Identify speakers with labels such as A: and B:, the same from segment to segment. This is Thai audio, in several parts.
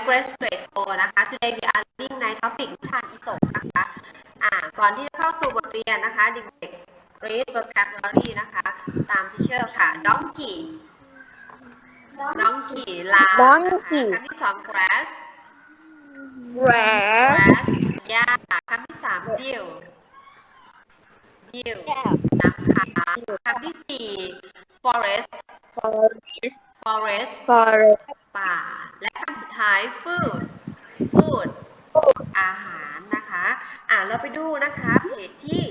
A: Grace Grade 4 นะคะ Today we are reading ใน topic นิทานอีสปนะคะก่อนที่จะเข้าสู่บทเรียนนะคะเด็กๆ read vocabulary นะคะตามที่เชื่อค่ะ donkey ลานะคะคำที่สอง grass หญ้าคำที่สาม dew น้ำค้างคำที่สี่ forest ป่าและคำสุดท้าย food อาหารนะคะเราไปดูนะคะเพจที่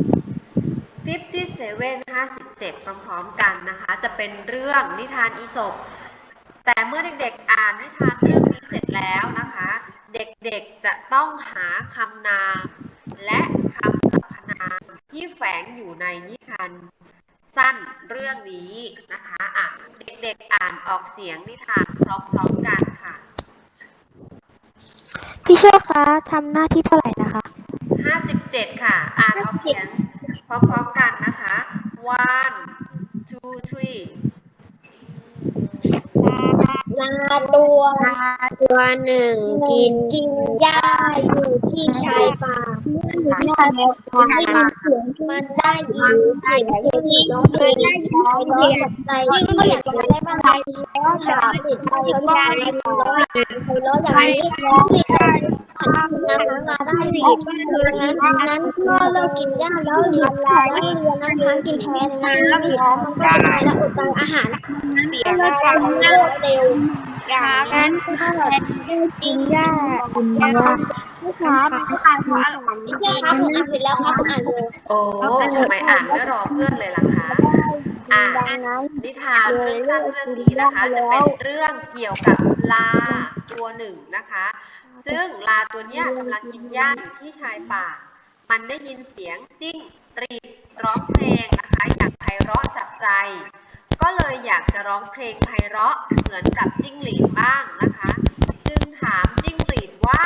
A: 57พร้อมๆกันนะคะจะเป็นเรื่องนิทานอีสปแต่เมื่อเด็กๆอ่านนิทานเรื่องนี้เสร็จแล้วนะคะเด็กๆจะต้องหาคำนามและคำสรรพนามที่แฝงอยู่ในนิทานสั้นเรื่องนี้นะคะเด็กๆอ่านออกเสียงนิทานพร้อมๆกันค่ะ
B: พี่เชื่อคะทำหน้าที่เท่าไหร่นะคะ
A: 57ค่ะอ่านออกเสียงพร้อมๆกันนะคะ one two three
B: ตัวหนึ่งกินหญ้าอยู่ที่ชายป่ามันได้ยินเสียงที่ร้องเพลงร้องกับใจที่อยากจะได้บ้างแล้วอยากติดไปก็ได้ร้องอย่างนี้ที่จะน้ำได้อีกนั้นก็เลิกกินหญ้าแล้วเรียนน้ำค้างกินแทนน้ำท้องมันก็ตายแล้วอดตายอาหารก็เลิกกันเร็วอย่างนั้นก็กินหญ้าไม่ครับพี่เชื่อครับผมอ่านเสร็จแล้วครับผมอ่านเลย
A: โอ้ทำไมอ่านไม่รอเพื่อนเลยล่ะคะนิทานเรื่องสั้นเรื่องนี้นะคะจะเป็นเรื่องเกี่ยวกับลาตัวหนึ่งนะคะซึ่งลาตัวนี้กำลังกินหญ้าอยู่ที่ชายป่ามันได้ยินเสียงจิ้งหรีดร้องเพลงนะคะอย่างไพเราะจับใจก็เลยอยากจะร้องเพลงไพเราะเหมือนกับจิ้งหรีดบ้างนะคะจึงถามจิ้งหรีดว่า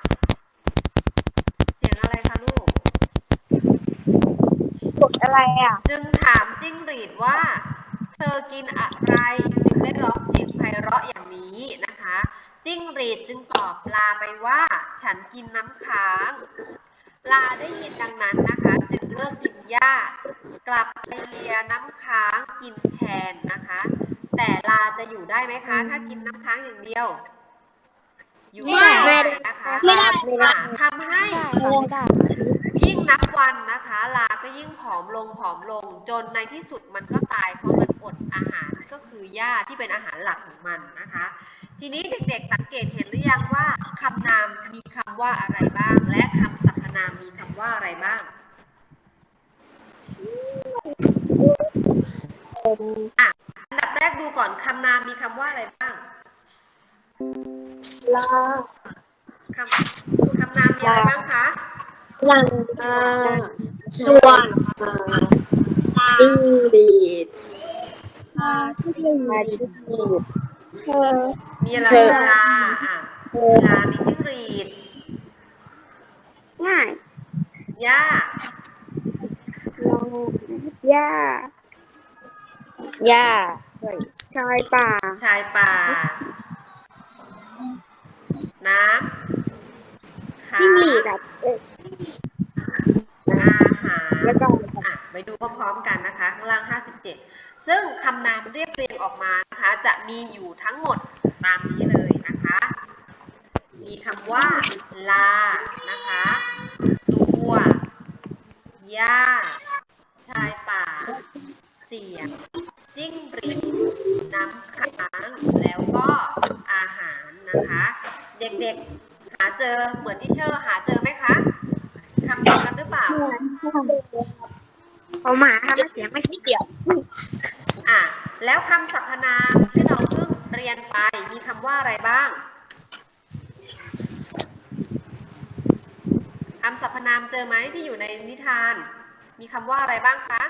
A: เสียงอะไรคะลูก
B: อะไร
A: จึงถามจิ้งหรีดว่าเธอกินอะไรจึงได้ร้องเสียงไพเราะอย่างนี้นะคะจิ้งหรีดจึงตอบลาไปว่าฉันกินน้ำค้างลาได้ยินดังนั้นนะคะจึงเลิกกินหญ้ากลับไปเลียน้ำค้างกินแทนนะคะแต่ลาจะอยู่ได้ไหมคะถ้ากินน้ำค้างอย่างเดียวอยู่ไม่ได้นะคะทำให้ยิ่งนับวันนะคะลาก็ยิ่งผอมลงจนในที่สุดมันก็ตายเพราะมันอดอาหารก็คือหญ้าที่เป็นอาหารหลักของมันนะคะทีนี้เด็กๆสังเกตเห็นหรือยังว่าคำนามมีคำว่าอะไรบ้างและคำสรรพนามมีคำว่าอะไรบ้างอันดับแรกดูก่อนคำนามมีคำว่าอะไรบ้าง
B: ลา
A: คำนามมีอะไรบ้างคะ
B: ลังชวนจิ้งหรีด
A: มีอะไรเวลามีจิ้งหรีด
B: ง่าย
A: หญ้า
B: ชายป่า
A: น้ำค้างอาหารไปดูพร้อมๆกันนะคะข้างล่าง57ซึ่งคำนามเรียบเรียงออกมานะคะจะมีอยู่ทั้งหมดตามนี้เลยนะคะมีคำว่าลานะคะตัวหญ้าชายป่าเสียงจิ้งหรีดน้ำค้างแล้วก็อาหารนะคะเด็กๆหาเจอเหมือนที่เชอร์หาเจอไหมคะคำเดียวกันหรือเปล่า
B: เอามาทำเสียงไม่คิดเดียว
A: แล้วคำสรรพนามที่เราเพิ่งเรียนไปมีคำว่าอะไรบ้างคำสรรพนามเจอไหมที่อยู่ในนิทานมีคำว่าอะไรบ้างคะ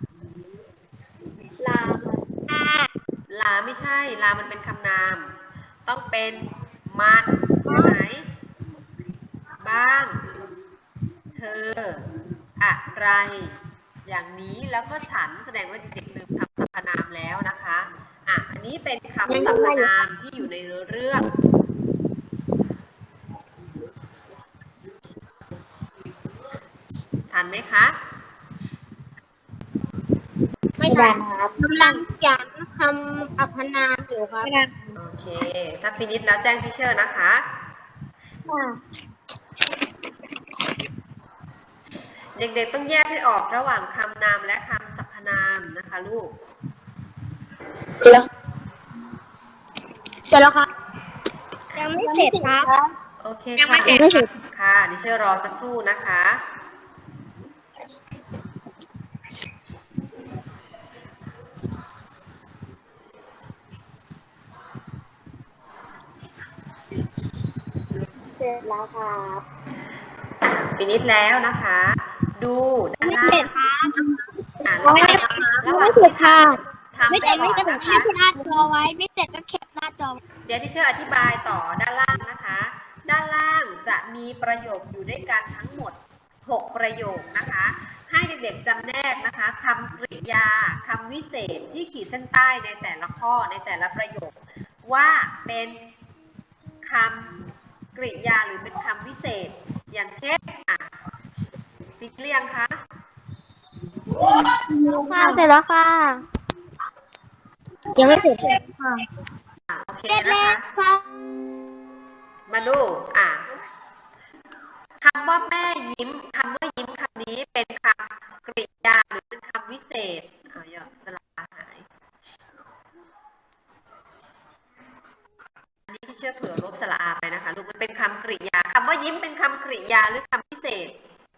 A: ลาไม่ใช่ลามันเป็นคำนามต้องเป็นมันใช่ไหมบ้างเธออะไรอย่างนี้แล้วก็ฉันแสดงว่าเด็กๆลืมคำสรรพนามแล้วนะคะอันนี้เป็นคำสรรพนามที่อยู่ในเรื่องทันไหมคะ
B: ไม่ทันครับกำลังจะทำอัพนามอยู่ครับ
A: โอเค ถ้าฟินิชแล้วแจ้งทีเชอร์นะคะ เด็กๆต้องแยกให้ออกระหว่างคำนามและคำสรรพนามนะคะลูก
B: เสร็จแล้วครับยังไม่เสร็จครับ
A: โอเค
B: ยังไม่
A: ค่ะ
B: เสร็จ
A: ค่ะดิเชอร์รอสักครู่นะคะ
B: เสร็จแล้วครับ
A: ฟินิชแล้วนะคะ ดูด้าน
B: ไม่
A: ล่า
B: เสร็
A: ง
B: จครับ
A: ระหว่างที่ทำไปก่อนนะคะ
B: แคปหน้าจอไว้ไม่เสร็จก็แคปหน้าจอ
A: เดี๋ยวที่เชื่ออธิบายต่อด้านล่างนะคะ ด้านล่างจะมีประโยคอยู่ด้วยกันทั้งหมด 6 ประโยคนะคะ ให้เด็กๆจำแนกนะคะคำกริยาคำวิเศษที่ขีดเส้นใต้ในแต่ละข้อในแต่ละประโยค ว่าเป็นคำกริยาหรือเป็นคำวิเศษ อย่างเช่นฟิกเรียงคะ
B: ค่ะเสร็จแล้วค่ะ ยังไม่เสร็จค่ะ
A: โอเคนะคะ มาดูคำว่าแม่ยิ้มคำว่ายิ้มคำนี้เป็นคำกริยาหรือเป็นคำวิเศษเยอะสลับหายอันนี้ที่เชื่อเผื่อลบสระอาไปนะคะลูกมันเป็นคำกริยาคำว่ายิ้มเป็นคำกริยาหรือคำวิเศษ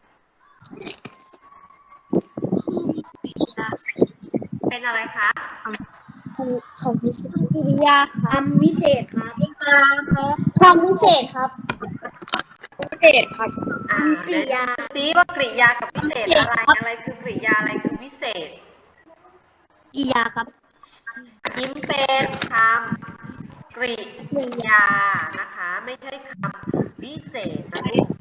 A: เป็นอะไรคะ
B: คำวิเศษกริยาคำวิเศษครับคำวิเศษครับวิเศษครับกริยา
A: ซีว่ากริยากับวิเศษอะไรคือกริยาอะไรคือวิเศษ
B: กริยาครับ
A: ยิ้มเป็นคำกริยานะคะไม่ใช่คำวิเศษนะลูก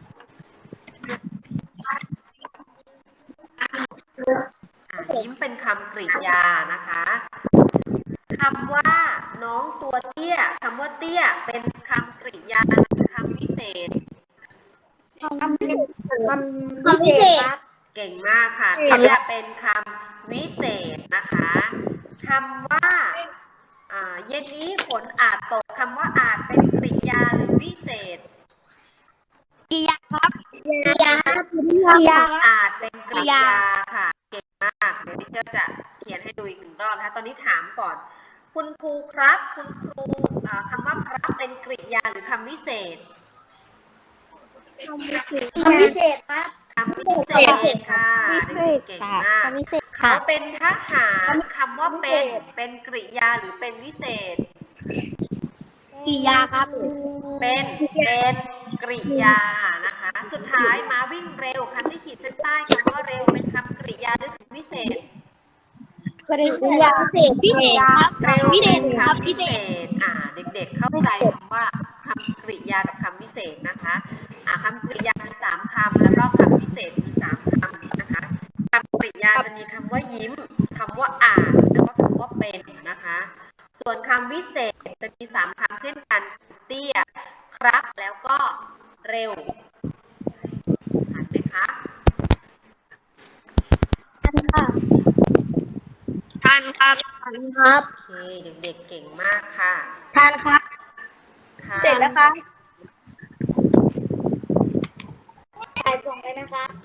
A: ยิ้มเป็นคำกริยานะคะคำว่าน้องตัวเตี้ยคำว่าเตี้ยเป็นคำกริยาหรือคำวิเศษ
B: คำวิเศษครับ
A: เก่งมากค่ะเตี้ยเป็นคำวิเศษนะคะคำว่าเย็นนี้ฝนอาจตกคำว่าอาจเป็นกริยาหรือวิเศษ
B: กริยาครับกริยาครับกริยา
A: อาจเป็นกริยาค่ะเก่งมากเดี๋ยวดิเชอร์จะเขียนให้ดูอีกหนึ่งรอบนะคะตอนนี้ถามก่อนคุณครูครับคุณครูคำว่าครับเป็นกริยาหรือคำวิเศษ
B: คำวิเศษครับ
A: คำวิเศษค่ะเก่งมากเขาเป็นทหารคำว่าเป็นกริยาหรือเป็นวิเศษ
B: กริยาครับ
A: เป็นกริยานะคะสุดท้ายมาวิ่งเร็วคำที่ขีดเส้นใต้คำว่าเร็วเป็นคำกริยาหรือคำวิเศษ
B: กริยาพิเศษครับ
A: เร็ว
B: พิเศ
A: เป็น
B: ษครับ
A: คำวิเศษเด็กๆเข้าใจคำว่าคำกริยากับคำวิเศษนะคะคำกริยามี3คำแล้วก็คำวิเศษมี3คำนะคะคำกริยาจะมีคำว่ายิ้มคำว่าอ่านแล้วก็คำว่าเป็นนะคะส่วนคำวิเศษจะมี3คำเช่นกันเตี้ยครับแล้วก็เร็วทันไหมคะ
B: ทันครับ
A: โอเคเด็กๆเก่งมากค่ะ
B: ทันครับเสร็จแล้วครับถ่ายส่งเลยนะคะ